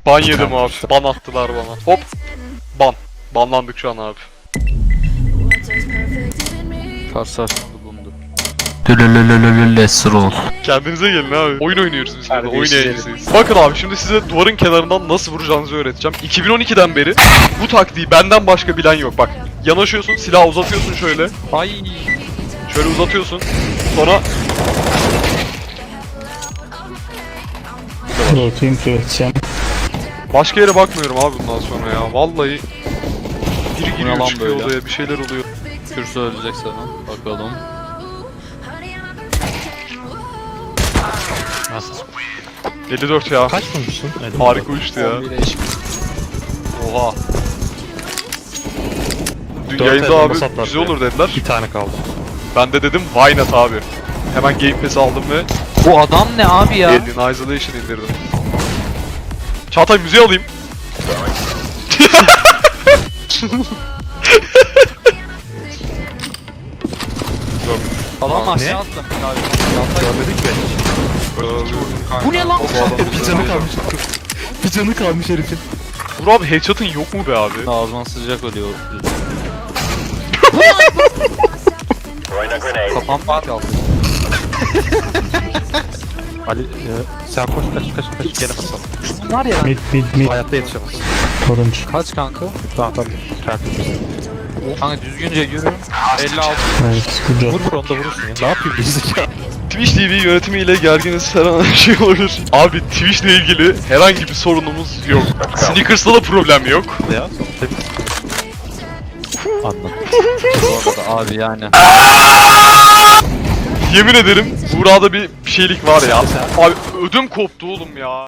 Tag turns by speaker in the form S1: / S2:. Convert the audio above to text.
S1: Ban yedim abi. Ban attılar bana. Hop. Ban. Banlandık şu an abi.
S2: Karşılaşmada bulundu.
S3: Let's roll.
S1: Kendinize gelin abi. Oyun oynuyoruz biz burada. Oyun
S2: Terbiyesiz
S1: yayıncısıyız. Bakın abi şimdi size duvarın kenarından nasıl vuracağınızı öğreteceğim. 2012'den beri bu taktiği benden başka bilen yok. Bak yanaşıyorsun, silahı uzatıyorsun şöyle.
S2: Ay.
S1: Şöyle uzatıyorsun. Sonra
S4: Rotayım üreteceğim.
S1: başka yere bakmıyorum abi bundan sonra ya. Vallahi biri giriyor
S2: lan
S1: çıkıyor
S2: böyle?
S1: odaya bir şeyler oluyor.
S2: Kürsü ölecek sana. Bakalım.
S4: Nasıl?
S1: 54 ya.
S4: Kaç vurmuşsun?
S1: Harika uçtu ya.
S2: 11'e eşit.
S1: Oha. Dün
S4: Dört
S1: yayında
S4: elden
S1: abi
S4: basatlar
S1: güzel
S4: ya.
S1: olur dediler.
S4: Bir tane kaldı.
S1: Ben de dedim why not abi. Hemen Game Pass aldım ve
S2: Bu adam ne abi ya?
S1: Alien Isolation indirdim. Çağatay müziği alayım.
S2: Adam
S4: Ne?
S2: aşağı attı.
S4: Görmedik mi?
S2: Bu ne lan?
S4: Bir canı kalmış. Bir canı kalmış herifin.
S1: Vur abi headshot'ın yok mu be abi?
S2: Ağzıma sıcak oluyor. Kafam kaldı.
S4: Ali sen koş kaç gene basalım.
S2: Var ya.
S4: Mid. Hayatta yetişemez.
S2: Turuncu. Kaç kanka?
S4: Tamam. Tertemiz.
S2: Kanka düzgünce yürü. 56.
S4: Vur onu da vurursun ya. Ne yapayım gerizekalı?
S1: Twitch TV yönetimiyle gerginiz her an her şey olur. Abi Twitch'le ilgili herhangi bir sorunumuz yok. Sneakers'ta da problem yok.
S4: Ya temiz. Anladım.
S2: Bu arada abi yani.
S1: Yemin ederim burada bir şeylik var ya. Abi ödüm koptu oğlum ya.